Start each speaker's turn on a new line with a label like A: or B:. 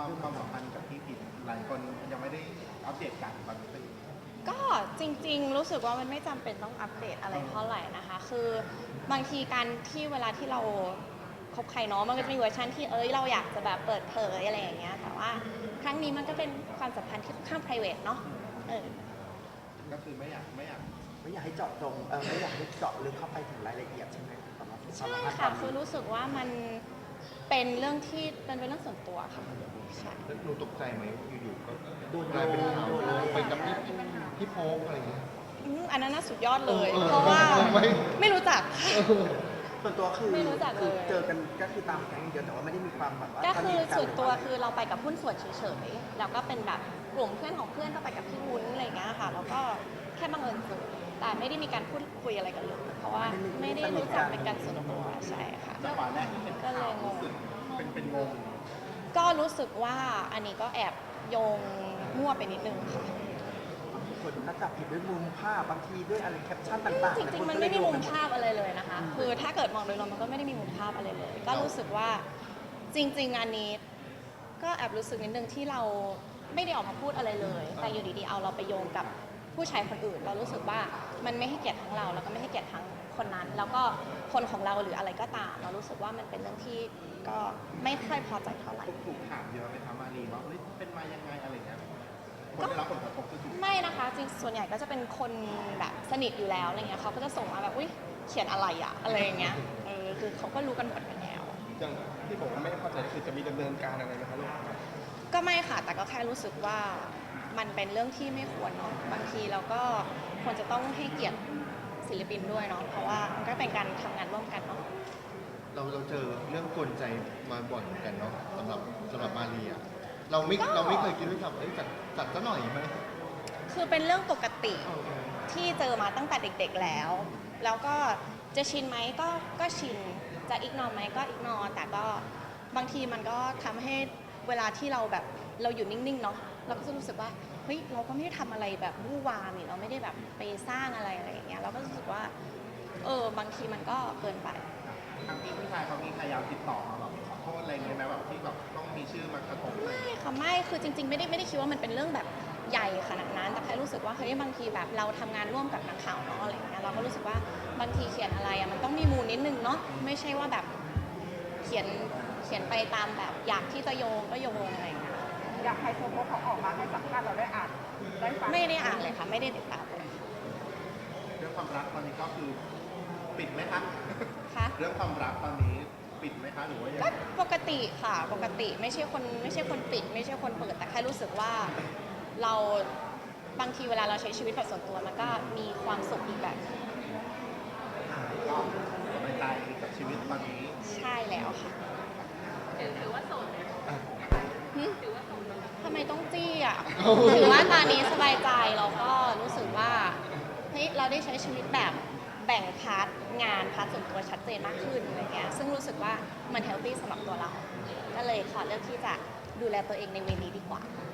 A: คือความสัมพันธ์กับพี่ผิดหลายคนยังไม่ได้อัปเดตกันตอนนี้เป็น
B: ก็จริงๆรู้สึกว่ามันไม่จำเป็นต้องอัปเดตอะไรเท่าไหร่นะคะคือบางทีการที่เวลาที่เราคบใครเนาะมันก็จะมีเวอร์ชันที่เราอยากจะแบบเปิดเผยอะไรอย่างเงี้ยแต่ว่าครั้งนี้มันก็เป็นความสัมพันธ์ที่ค่อนข้าง private เนาะ
A: ก็คือไม่อยาก
C: ไม่อยากให้เจาะจงไม่อยากให้เจาะลึกเข้าไปถึงรายละเอียดใช่ไหมสำหรับ
B: ใช่ค่ะคือรู้สึกว่ามันเป็นเรื่องที่เป็นเรื่องส่วนตัวค่ะใช่
A: หนูตกใจไหมอยู่ๆก็
C: โดน
A: กลายเป็นข่าวไปกับพี่โป๊กอะไรอย่างเงี้ย
B: อันนั้นน่าสุดยอดเลยเพราะว่าไม่รู้จัก
C: ส่วนตัวคือ
B: ไม่รู้จักเลย
C: เจอกันก็คือตามแก๊งเดียวแต่ว่าไม่ได้มีความแบบว่า
B: ก็คือส่วนตัวคือเราไปกับหุ้นส่วนเฉยๆแล้วก็เป็นแบบกลุ่มเพื่อนของเพื่อนก็ไปกับพี่วุ้นอะไรอย่างเงี้ยค่ะแล้วก็แค่บังเอิญเจอแต่ไม่ได้มีการพูดคุยอะไรกันเลยเพราะว่าไม่ได้รู้จักเป็นการส่วนตัวใช่ค่ะ
A: จังหวะแรกที่เห็นข่าวรู้สึกเป็นงง
B: ก็รู้สึกว่าอันนี้ก็แอบโยงมั่วไปนิดนึงค่ะ
C: คนก็จับผิดด้วยมุมภาพบางทีด้วยอะไรแคปชั่นต่างๆ
B: จริงๆมันไม่มีมุมภาพอะไรเลยนะคะคือถ้าเกิดมองโดยรวมมันก็ไม่ได้มีมุมภาพอะไรเลยก็รู้สึกว่าจริงๆอันนี้ก็แอบรู้สึกนิดนึงที่เราไม่ได้ออกมาพูดอะไรเลยแต่อยู่ดีๆเอาเราไปโยงกับผู้ชายคนอื่นเรารู้สึกว่ามันไม่ให้เกียรติทั้งเราแล้วก็ไม่ให้เกียรติทั้งคนนั้นแล้วก็คนของเราหรืออะไรก็ตามเรารู้สึกว่ามันเป็นเรื่องที่ก็ไม่ค่อยพอใจเท่าไหร่
A: ถูกถามเยอะไหมคะมารีว่าเป็นมายังไงอะไรเงี้ยคนได้รับผลกระทบคือถูก
B: ไม่นะคะจริงส่วนใหญ่ก็จะเป็นคนแบบสนิทอยู่แล้วอะไรเงี้ยเขาก็จะส่งมาแบบอุ้ยเขียนอะไรอะอะไรอย่างเงี้ยคือเขาก็รู้กันหมดกันแล้ว
A: อย่างที่ผมไม่เข้าใจคือจะมีดำเนินการอะไรไหมคะลูก
B: ก็ไม่ค่ะแต่ก็แค่รู้สึกว่ามันเป็นเรื่องที่ไม่ควรเนาะบางทีเราก็ควรจะต้องให้เกียรติศิลปินด้วยเนาะเพราะว่ามันก็เป็นการทำงานร่วมกันเนาะ
A: เราเจอเรื่องกวนใจมาบ่อยเหมือนกันเนาะสำหรับมารีอะเราไม่เคยคิดด้วยซ้ำจัดซะหน่อยไหม
B: คือเป็นเรื่องปกติที่เจอมาตั้งแต่เด็กๆแล้วก็จะชินไหมก็ชินจะอิกนอไหมก็อิกนอแต่ก็บางทีมันก็ทำให้เวลาที่เราแบบเราอยู่นิ่งๆเนาะเราก็จะรู้สึกว่าเฮ้ยเราก็ไม่ได้ทำอะไรแบบวู่วามนี่เราไม่ได้แบบไปสร้างอะไรอย่างเงี้ยเราก็รู้สึกว่าบางทีมันก็เกินไป
A: ทางพี่ชายเขามีพยายามติดต่อมาแบบขอโทษอะไรเงี้ยไหมแบบที่แบบต้องมีชื่อมากระทบ
B: ไม่ค่ะไม่คือจริงๆไม่ได้คิดว่ามันเป็นเรื่องแบบใหญ่ขนาดนั้นแต่แค่รู้สึกว่าเฮ้ยบางทีแบบเราทำงานร่วมกับนักข่าวเนาะอะไรเงี้ยเราก็รู้สึกว่าบางทีเขียนอะไรอะมันต้องมีมูลนิดนึงเนาะไม่ใช่ว่าแบบเขียนไปตามแบบอยากที่จะโยงก็โยงอะไรเงี้ย
D: อยากให้โซโพเขาออกมาให้สัมภาษณ์เราได้อ่านได้ฟัง
B: ไม่ได้อ่านเลยค่ะไม่ได้ติดตามเลย
A: เรื่องความรักตอนนี้ก็คือปิดไหมคะ
B: คะ
A: เรื่องความรักตอนนี้ปิดไหมคะหรือว่ายัง
B: ก็ปกติค่ะปกติไม่ใช่คนปิดไม่ใช่คนเปิดแต่แค่รู้สึกว่าเราบางทีเวลาเราใช้ชีวิตแบบส่วนตัวมันก็มีความสุขอีกแบบ
A: ก็สบายใจกับชีวิตตอนนี้
B: ใช่แล้วค่ะถือว่าโสดถือว่าโสดทำไมต้องจี้อ่ะถือว่าตอนนี้สบายใจเราก็รู้สึกว่าเฮ้ยเราได้ใช้ชีวิตแบบแบ่งพาร์ทงานพาร์ทส่วนตัวชัดเจนมากขึ้นอะไรเงี้ยซึ่งรู้สึกว่ามันเฮลตี้สำหรับตัวเราก็เลยขอเลือกที่จะดูแลตัวเองในเวนี้ดีกว่า